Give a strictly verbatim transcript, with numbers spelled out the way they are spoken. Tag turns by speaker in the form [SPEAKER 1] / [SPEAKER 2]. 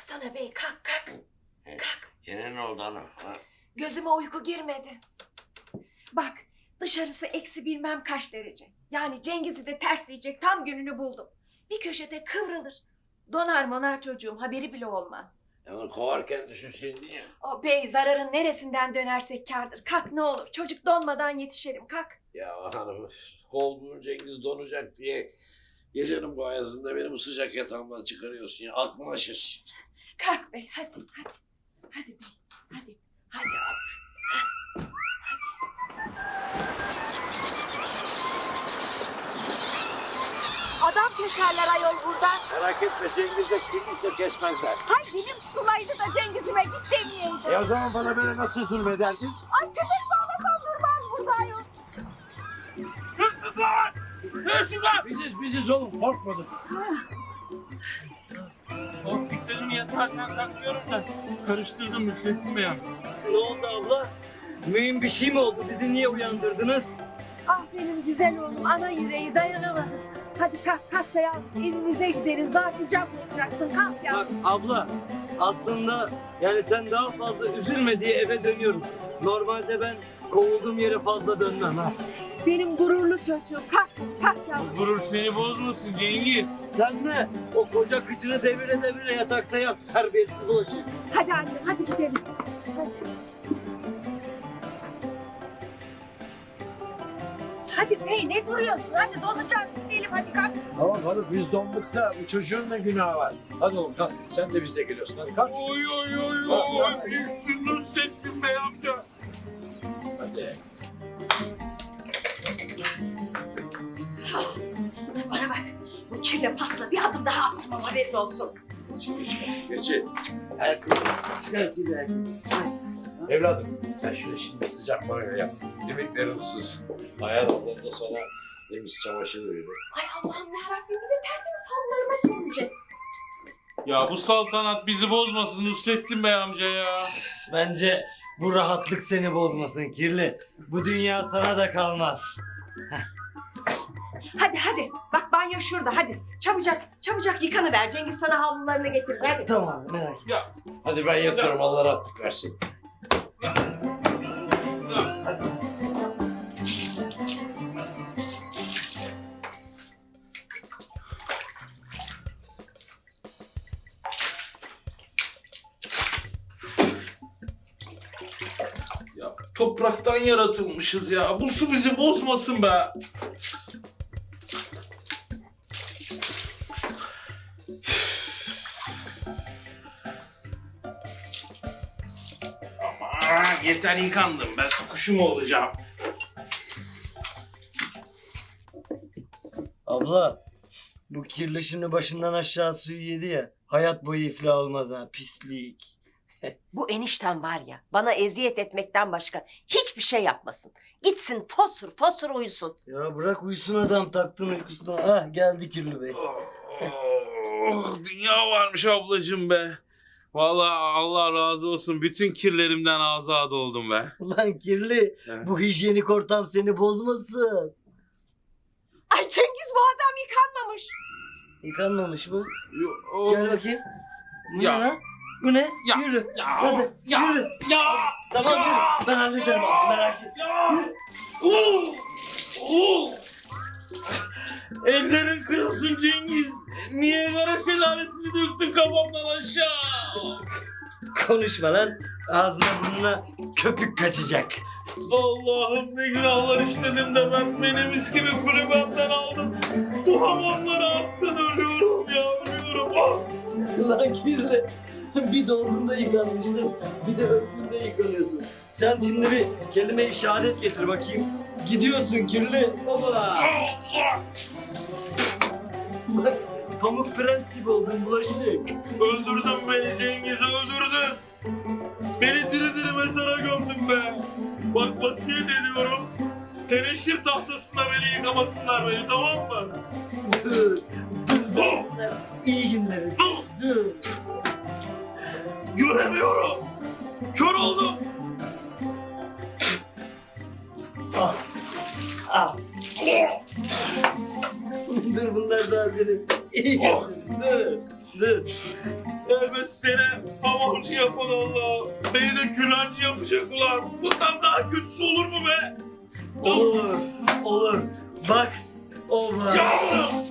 [SPEAKER 1] Kalksana bey, kalk kalk. Kalk.
[SPEAKER 2] Yine ne oldu ana? Ha?
[SPEAKER 1] Gözüme uyku girmedi. Bak, dışarısı eksi bilmem kaç derece. Yani Cengiz'i de tersleyecek tam gününü buldum. Bir köşede kıvrılır. Donar monar çocuğum, haberi bile olmaz.
[SPEAKER 2] Ya onu kovarken düşünseydin ya.
[SPEAKER 1] O bey, zararın neresinden dönersek kârdır. Kalk ne olur, çocuk donmadan yetişelim, kalk.
[SPEAKER 2] Ya hanım, kovduğun Cengiz donacak diye gecenin bu ayazında beni bu sıcak yatağımdan çıkarıyorsun ya. Aklıma şaşır.
[SPEAKER 1] Kalk bey, hadi, hadi. Hadi bey, hadi. Hadi hop.
[SPEAKER 3] Adam keserler ayol burada.
[SPEAKER 2] Merak etme, Cengiz'e kimse kesmezler.
[SPEAKER 3] Hay benim sulaydı da Cengiz'ime git demeyeydi.
[SPEAKER 2] E o zaman bana böyle nasıl zulmederdin?
[SPEAKER 3] Ay köpek bağlasam durmaz burada ayol.
[SPEAKER 2] Hırsızlar! Hırsızlar! Biziz biziz oğlum, korkmadık.
[SPEAKER 4] Korktuklarını yatarken takmıyorum da karıştırdım Müfettin Bey.
[SPEAKER 5] Ne oldu abla? Mühim bir şey mi oldu? Bizi niye uyandırdınız?
[SPEAKER 3] Ah benim güzel oğlum, ana yüreği dayanamadı. Hadi kalk kalk da ya, evimize gidelim. Zaten can bulacaksın, kalk ya.
[SPEAKER 5] Bak abla, aslında yani sen daha fazla üzülme diye eve dönüyorum. Normalde ben kovulduğum yere fazla dönmem ha.
[SPEAKER 3] Benim gururlu çocuğum, kalk kalk ya.
[SPEAKER 4] Bu gurur seni bozmasın Cengiz.
[SPEAKER 5] Sen ne? O koca kıçını devire devire yatakta yat, terbiyesiz bulaşık.
[SPEAKER 3] Hadi annem, hadi gidelim. Hadi. Hadi bey, ne duruyorsun? Hadi donacağız, gidelim hadi kalk.
[SPEAKER 2] Tamam hanım, biz donduk da bu çocuğun ne günahı var? Hadi oğlum kalk, sen de bizle geliyorsun, hadi kalk.
[SPEAKER 4] Oy oy oy oy. Büyüksün Nusrettin Bey amca.
[SPEAKER 2] Hadi.
[SPEAKER 1] Bana bak, bu kirle pasla bir adım daha attırmam, haberin olsun.
[SPEAKER 2] Geçin. Herkes, herkes, herkes. Evladım, sen şöyle şimdi sıcak banyo yap. Yemeklerin ısınsın. Ayar ablam da sana temiz çamaşır verir.
[SPEAKER 1] Ay Allah'ım yarabbim, bir de tertemiz halılarıma sürünecek.
[SPEAKER 4] Ya bu saltanat bizi bozmasın Nusrettin Bey amca ya.
[SPEAKER 5] Bence bu rahatlık seni bozmasın kirli. Bu dünya sana da kalmaz.
[SPEAKER 1] Hadi hadi, bak banyo şurada, hadi. Çabucak, çabucak yıkanıver. Cengiz sana havlularını getirir, hadi.
[SPEAKER 5] Tamam, merak etme.
[SPEAKER 4] Ya.
[SPEAKER 2] Hadi ben yatıyorum, Allah rahatlık versin.
[SPEAKER 4] Ya. Ya topraktan yaratılmışız ya. Bu su bizi bozmasın be. Aman yeter yıkandım. Ben su kuşu mu olacağım?
[SPEAKER 5] Abla, bu kirli şimdi başından aşağı suyu yedi ya. Hayat boyu iflah olmaz ha, pislik.
[SPEAKER 6] Bu enişten var ya, bana eziyet etmekten başka hiçbir şey yapmasın. Gitsin fosur fosur uyusun.
[SPEAKER 5] Ya bırak uyusun adam, taktın uykusuna. Ah geldi kirli bey.
[SPEAKER 4] Oh, dünya varmış ablacığım be. Vallahi Allah razı olsun. Bütün kirlerimden azad oldum be.
[SPEAKER 5] Ulan kirli,
[SPEAKER 4] Evet.
[SPEAKER 5] bu hijyenik ortam seni bozmasın.
[SPEAKER 1] Ay Cengiz, bu adam yıkanmamış.
[SPEAKER 5] Yıkanmamış mı?
[SPEAKER 4] Yo-
[SPEAKER 5] Gel bakayım. Bu
[SPEAKER 4] Ya.
[SPEAKER 5] ne lan? Bu ne?
[SPEAKER 4] Ya.
[SPEAKER 5] Yürü.
[SPEAKER 4] Ya.
[SPEAKER 5] Hadi
[SPEAKER 4] Ya.
[SPEAKER 5] yürü.
[SPEAKER 4] Ya.
[SPEAKER 5] Tamam
[SPEAKER 4] Ya.
[SPEAKER 5] yürü. Ben hallederim abi, merak etme.
[SPEAKER 4] Ya. Uh. Uh. Ellerin kırılsın Cengiz. Niye kara şelalesini döktün kafamdan aşağı?
[SPEAKER 5] Konuşma lan. Ağzına burnuna köpük kaçacak.
[SPEAKER 4] Allah'ım ne günahlar işledim de ben beni mis gibi kulübemden aldın. Bu hamamlara attın, ölüyorum ya, ölüyorum. Ah.
[SPEAKER 5] Ulan kirli. Bir doğduğunda yıkanmıştın. Bir de öldüğünde yıkanıyorsun. Sen şimdi bir kelime-i şehadet getir bakayım. Gidiyorsun kirli. Baba.
[SPEAKER 4] Allah!
[SPEAKER 5] Bak pamuk prens gibi oldun bulaşık.
[SPEAKER 4] Öldürdün beni Cengiz, öldürdün. Beni diri diri mezara gömdün be. Bak vasiyet ediyorum. Teneşir tahtasında beni yıkamasınlar beni, tamam mı?
[SPEAKER 5] Dur. Dur dur. Bunlar iyi günleriz. Dur.
[SPEAKER 4] Göremiyorum. Kör oldum.
[SPEAKER 5] Ah. Ah. Dur bunlar daha senin iyi günlerin. Dur. Dur.
[SPEAKER 4] Elbet seni hamamcı yapan Allah. Beni de gülancı yapacak ulan. Bundan daha kötüsü olur mu be?
[SPEAKER 5] Olur. Olur. Bak. O var.
[SPEAKER 4] Yavrum!